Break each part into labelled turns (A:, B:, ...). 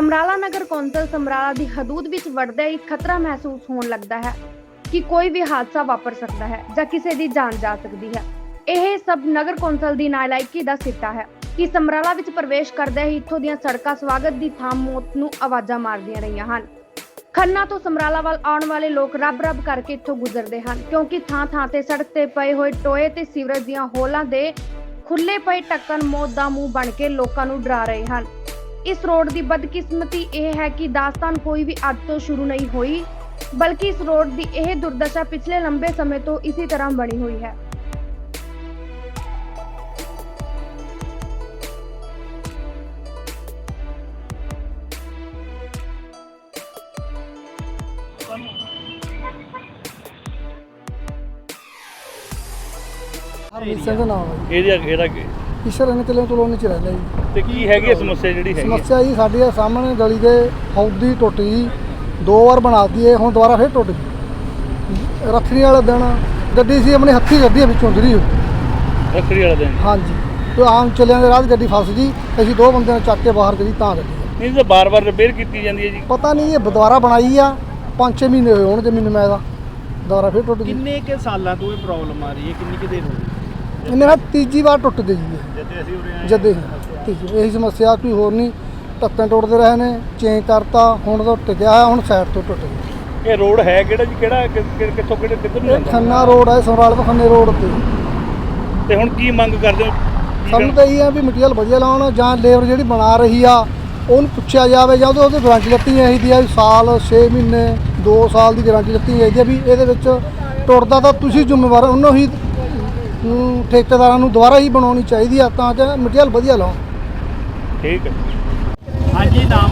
A: ਸਮਰਾਲਾ ਨਗਰ ਕੌਂਸਲ ਸਮਰਾਲਾ ਦੀ ਹਦੂਦ ਵਿੱਚ ਵੜਦੇ ਹੀ ਖਤਰਾ ਮਹਿਸੂਸ ਹੋਣ ਲੱਗਦਾ ਹੈ ਕਿ ਕੋਈ ਵੀ ਹਾਦਸਾ ਵਾਪਰ ਸਕਦਾ ਹੈ ਜਾਂ ਕਿਸੇ ਦੀ ਜਾਨ ਜਾ ਸਕਦੀ ਹੈ। ਇਹ ਸਭ ਨਗਰ ਕੌਂਸਲ ਦੀ ਨਾਲਾਇਕੀ ਦਾ ਸਿੱਟਾ ਹੈ ਕਿ ਸਮਰਾਲਾ ਵਿੱਚ ਪ੍ਰਵੇਸ਼ ਕਰਦੇ ਹੀ ਇੱਥੋਂ ਦੀਆਂ ਸੜਕਾਂ ਸਵਾਗਤ ਦੀ ਥਾਂ ਮੌਤ ਨੂੰ ਆਵਾਜ਼ਾਂ ਮਾਰਦੀਆਂ ਰਹੀਆਂ ਹਨ। ਖੰਨਾ ਤੋਂ ਸਮਰਾਲਾ ਵੱਲ ਆਉਣ ਵਾਲੇ ਲੋਕ ਰੱਬ ਕਰਕੇ ਇੱਥੋਂ ਗੁਜ਼ਰਦੇ ਹਨ ਕਿਉਂਕਿ ਥਾਂ ਤੇ ਸੜਕ ਤੇ ਪਏ ਹੋਏ ਟੋਏ ਤੇ ਸੀਵਰੇਜ ਦੀਆਂ ਹੋਲਾਂ ਦੇ ਖੁੱਲੇ ਪਏ ਢੱਕਣ ਮੌਤ ਦਾ ਮੂੰਹ ਬਣ ਕੇ ਲੋਕਾਂ ਨੂੰ ਡਰਾ ਰਹੇ ਹਨ। इस रोड की बदकिस्मती यह है कि दास्तान कोई भी अज तो शुरू नहीं हुई, बल्कि इस रोड की यह दुर्दशा पिछले लंबे समय तो इसी तरह बनी हुई है।
B: ईश्वर ने किले कलोनी च रहंदा जी।
C: ਤੇ ਕੀ ਹੈਗੀ ਸਮੱਸਿਆ ਜਿਹੜੀ ਹੈਗੀ
B: ਸਮੱਸਿਆ ਜੀ ਸਾਡੀ ਆ ਸਾਹਮਣੇ ਗਲੀ ਦੇ ਹੌਦ ਦੀ ਟੁੱਟ ਗਈ, 2 ਵਾਰ ਬਣਾਤੀ ਏ, ਹੁਣ ਦੁਬਾਰਾ ਫਿਰ ਟੁੱਟ ਗਈ। ਰੱਖੜੀ ਵਾਲੇ ਦਿਨ ਗੱਡੀ ਸੀ ਆਪਣੇ ਹੱਥੀ ਗੱਡੀ ਵਿੱਚੋਂ ਗਿਰੀ ਹੋਈ।
C: ਰੱਖੜੀ ਵਾਲੇ ਦਿਨ
B: ਹਾਂਜੀ, ਤੇ ਆਮ ਚੱਲਿਆਂ ਦੇ ਰਾਹ ਗੱਡੀ ਫਸ ਗਈ। ਅਸੀਂ 2 ਬੰਦਿਆਂ ਨੂੰ ਚੱਕ ਕੇ ਬਾਹਰ ਕਰੀ ਤਾਂ ਗੱਡੀ
C: ਨਹੀਂ ਤਾਂ ਬਾਰ-ਬਾਰ ਰਿਪੇਅਰ ਕੀਤੀ ਜਾਂਦੀ ਹੈ ਜੀ।
B: ਪਤਾ ਨਹੀਂ ਇਹ ਦੁਬਾਰਾ ਬਣਾਈ ਆ, 5-6 ਮਹੀਨੇ ਹੋਏ ਹੋਣਗੇ ਮੈਨੂੰ ਮੈਂ ਦਾ ਦੁਬਾਰਾ ਫਿਰ ਟੁੱਟ ਗਈ।
D: ਕਿੰਨੇ ਕੇ ਸਾਲਾਂ ਤੋਂ ਇਹ ਪ੍ਰੋਬਲਮ ਆ ਰਹੀ ਹੈ, ਕਿੰਨੀ ਕਿ ਦੇਰ ਹੋ ਗਈ?
B: ਇਹਨੇ ਨਾ ਤੀਜੀ ਵਾਰ ਟੁੱਟ ਗਈ ਜੀ।
C: ਜਦੇ ਅਸੀਂ ਉਰੇ ਆਏ
B: ਜਦੇ ਇਹੀ ਸਮੱਸਿਆ, ਕੋਈ ਹੋਰ ਨਹੀਂ। ਢੱਕਣ ਟੁੱਟਦੇ ਰਹੇ ਨੇ, ਚੇਂਜ ਕਰਤਾ, ਹੁਣ ਤਾਂ ਟਿਕਿਆ ਹੈ, ਹੁਣ ਸਾਈਡ ਤੋਂ ਟੁੱਟ ਗਿਆ।
C: ਇਹ ਰੋਡ ਹੈ ਕਿਹੜਾ ਜੀ, ਕਿਹੜਾ ਕਿੱਥੋਂ ਕਿੱਧਰ ਨੂੰ
B: ਇਹ
C: ਜਾਂਦਾ?
B: ਖੰਨਾ ਰੋਡ ਹੈ, ਸਮਰਾਲੇ ਤੋਂ ਖੰਨੇ ਰੋਡ
C: ਤੇ ਹੁਣ ਕੀ ਮੰਗ ਕਰਦੇ ਹੋ?
B: ਸਾਨੂੰ ਤਾਂ ਇਹ ਆ ਵੀ ਮਟੀਰੀਅਲ ਵਧੀਆ ਲਾਉਣ, ਜਾਂ ਲੇਬਰ ਜਿਹੜੀ ਬਣਾ ਰਹੀ ਆ ਉਹਨੂੰ ਪੁੱਛਿਆ ਜਾਵੇ, ਜਾਂ ਉਹਦੀ ਗਾਰੰਟੀ ਲੱਤੀ ਚਾਹੀਦੀ ਆ, ਸਾਲ 6 ਮਹੀਨੇ 2 ਸਾਲ ਦੀ ਗਾਰੰਟੀ ਲੱਤੀ ਚਾਹੀਦੀ ਆ ਵੀ ਇਹਦੇ ਵਿੱਚ ਟੁੱਟਦਾ ਤਾਂ ਤੁਸੀਂ ਜ਼ਿੰਮੇਵਾਰ, ਉਹਨੂੰ ਹੀ ਠੇਕੇਦਾਰਾਂ ਨੂੰ ਦੁਬਾਰਾ ਹੀ ਬਣਾਉਣੀ ਚਾਹੀਦੀ ਆ ਤਾਂ ਕਿ ਮਟੀਰੀਅਲ ਵਧੀਆ ਲਾਉਣ।
C: ਠੀਕ ਹੈ।
D: ਹਾਂਜੀ, ਨਾਮ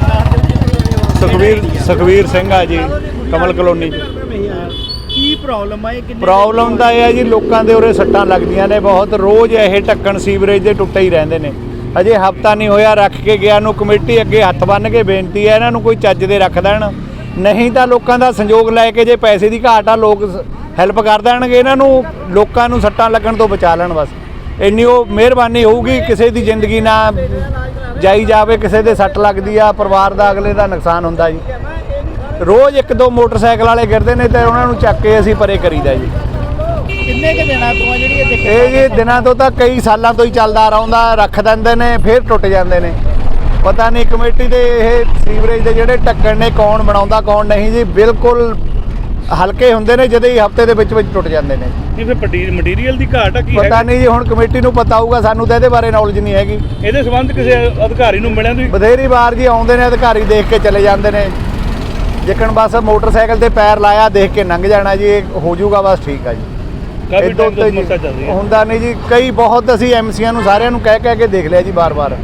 D: ਦਾ
E: ਸੁਖਵੀਰ ਸਿੰਘ ਆ ਜੀ, ਕਮਲ ਕਲੋਨੀ ਚ।
D: ਕੀ ਪ੍ਰੋਬਲਮ ਆ ਇਹ? ਕਿੰਨੇ
E: ਪ੍ਰੋਬਲਮ ਤਾਂ ਇਹ ਆ ਜੀ, ਲੋਕਾਂ ਦੇ ਉਰੇ ਸੱਟਾਂ ਲੱਗਦੀਆਂ ਨੇ ਬਹੁਤ, ਰੋਜ਼ ਇਹ ਢੱਕਣ ਸੀਵਰੇਜ ਦੇ ਟੁੱਟੇ ਹੀ ਰਹਿੰਦੇ ਨੇ। ਅਜੇ ਹਫਤਾ ਨਹੀਂ ਹੋਇਆ ਰੱਖ ਕੇ ਗਿਆ ਨੂੰ। ਕਮੇਟੀ ਅੱਗੇ ਹੱਥ ਬੰਨ੍ਹ ਕੇ ਬੇਨਤੀ ਹੈ ਇਹਨਾਂ ਨੂੰ ਕੋਈ ਚੱਜ ਦੇ ਰੱਖ ਦੇਣ, ਨਹੀਂ ਤਾਂ ਲੋਕਾਂ ਦਾ ਸੰਯੋਗ ਲੈ ਕੇ, ਜੇ ਪੈਸੇ ਦੀ ਘਾਟ ਆ ਲੋਕ ਹੈਲਪ ਕਰ ਦੇਣਗੇ ਇਹਨਾਂ ਨੂੰ, ਲੋਕਾਂ ਨੂੰ ਸੱਟਾਂ ਲੱਗਣ ਤੋਂ ਬਚਾ ਲੈਣ। ਬਸ ਇੰਨੀ ਉਹ ਮਿਹਰਬਾਨੀ ਹੋਊਗੀ। ਕਿਸੇ ਦੀ ਜ਼ਿੰਦਗੀ ਨਾ ਜਾਈ ਜਾਵੇ, ਕਿਸੇ ਦੇ ਸੱਟ ਲੱਗਦੀ ਆ, ਪਰਿਵਾਰ ਦਾ ਅਗਲੇ ਦਾ ਨੁਕਸਾਨ ਹੁੰਦਾ ਜੀ। ਰੋਜ਼ 1-2 ਮੋਟਰਸਾਈਕਲ ਵਾਲੇ ਗਿਰਦੇ ਨੇ ਤੇ ਉਹਨਾਂ ਨੂੰ ਚੱਕ ਕੇ ਅਸੀਂ ਪਰੇ ਕਰੀਦਾ ਜੀ।
D: ਕਿੰਨੇ ਕੇ ਦਿਨਾਂ ਤੋਂ ਆ ਜਿਹੜੀ
E: ਇਹ ਜੀ ਦਿਨਾਂ ਤੋਂ ਤਾਂ ਕਈ ਸਾਲਾਂ ਤੋਂ ਹੀ ਚੱਲਦਾ ਰਹਿੰਦਾ, ਰੱਖ ਦਿੰਦੇ ਨੇ ਫਿਰ ਟੁੱਟ ਜਾਂਦੇ ਨੇ। ਪਤਾ ਨਹੀਂ ਕਮੇਟੀ ਦੇ ਇਹ ਸੀਵਰੇਜ ਦੇ ਜਿਹੜੇ ਢੱਕਣ ਨੇ ਕੌਣ ਬਣਾਉਂਦਾ ਕੌਣ ਨਹੀਂ ਜੀ। ਬਿਲਕੁਲ ਹਲਕੇ ਹੁੰਦੇ ਨੇ, ਜਦੋਂ ਹੀ ਹਫਤੇ ਦੇ ਵਿੱਚ ਟੁੱਟ ਜਾਂਦੇ ਨੇ।
C: ਨਹੀਂ ਫਿਰ ਮਟੀਰੀਅਲ ਦੀ ਘਾਟ ਆ ਕੀ
E: ਪਤਾ ਨਹੀਂ ਜੀ, ਹੁਣ ਕਮੇਟੀ ਨੂੰ ਪਤਾ ਹੋਊਗਾ, ਸਾਨੂੰ ਤਾਂ ਇਹਦੇ ਬਾਰੇ ਨੌਲੇਜ ਨਹੀਂ ਹੈਗੀ।
C: ਇਹਦੇ ਸੰਬੰਧ ਕਿਸੇ ਅਧਿਕਾਰੀ ਨੂੰ ਮਿਲਿਆ ਤੁਸੀਂ?
E: ਬਥੇਰੀ ਵਾਰ ਜੀ ਆਉਂਦੇ ਨੇ ਅਧਿਕਾਰੀ, ਦੇਖ ਕੇ ਚਲੇ ਜਾਂਦੇ ਨੇ। ਜਿੱਕਣ ਬਸ ਮੋਟਰਸਾਈਕਲ ਤੇ ਪੈਰ ਲਾਇਆ ਦੇਖ ਕੇ ਲੰਘ ਜਾਣਾ ਜੀ, ਇਹ ਹੋ ਜਾਊਗਾ ਬਸ, ਠੀਕ ਆ ਜੀ।
C: ਕਾਫੀ ਟਾਈਮ ਤੋਂ ਸਮੱਸਿਆ ਚੱਲ ਰਹੀ ਹੈ।
E: ਹੁੰਦਾ ਨਹੀਂ ਜੀ, ਕਈ ਬਹੁਤ ਅਸੀਂ ਐਮਸੀਆਂ ਨੂੰ ਸਾਰਿਆਂ ਨੂੰ ਕਹਿ ਕੇ ਦੇਖ ਲਿਆ ਜੀ ਬਾਰ-ਬਾਰ।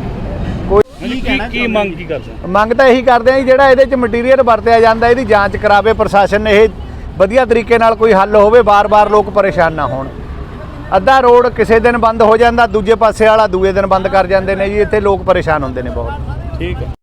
C: ਕੀ ਮੰਗ ਕੀ ਕਰਦੇ?
E: ਮੰਗ ਤਾਂ ਇਹੀ ਕਰਦੇ ਆ ਜੀ, ਜਿਹੜਾ ਇਹਦੇ 'ਚ ਮਟੀਰੀਅਲ ਵਰਤਿਆ ਜਾਂਦਾ ਇਹਦੀ ਜਾਂਚ ਕਰਾਵੇ ਪ੍ਰਸ਼ਾਸਨ। ਇਹ ਵਧੀਆ ਤਰੀਕੇ ਨਾਲ ਕੋਈ ਹੱਲ ਹੋਵੇ, ਬਾਰ-ਬਾਰ ਲੋਕ ਪਰੇਸ਼ਾਨ ਨਾ ਹੋਣ। ਅੱਧਾ ਰੋਡ ਕਿਸੇ ਦਿਨ ਬੰਦ ਹੋ ਜਾਂਦਾ, ਦੂਜੇ ਪਾਸੇ ਵਾਲਾ ਦੂਏ ਦਿਨ ਬੰਦ ਕਰ ਜਾਂਦੇ ਨੇ ਜੀ, ਇੱਥੇ ਲੋਕ ਪਰੇਸ਼ਾਨ ਹੁੰਦੇ ਨੇ ਬਹੁਤ।
C: ਠੀਕ ਹੈ।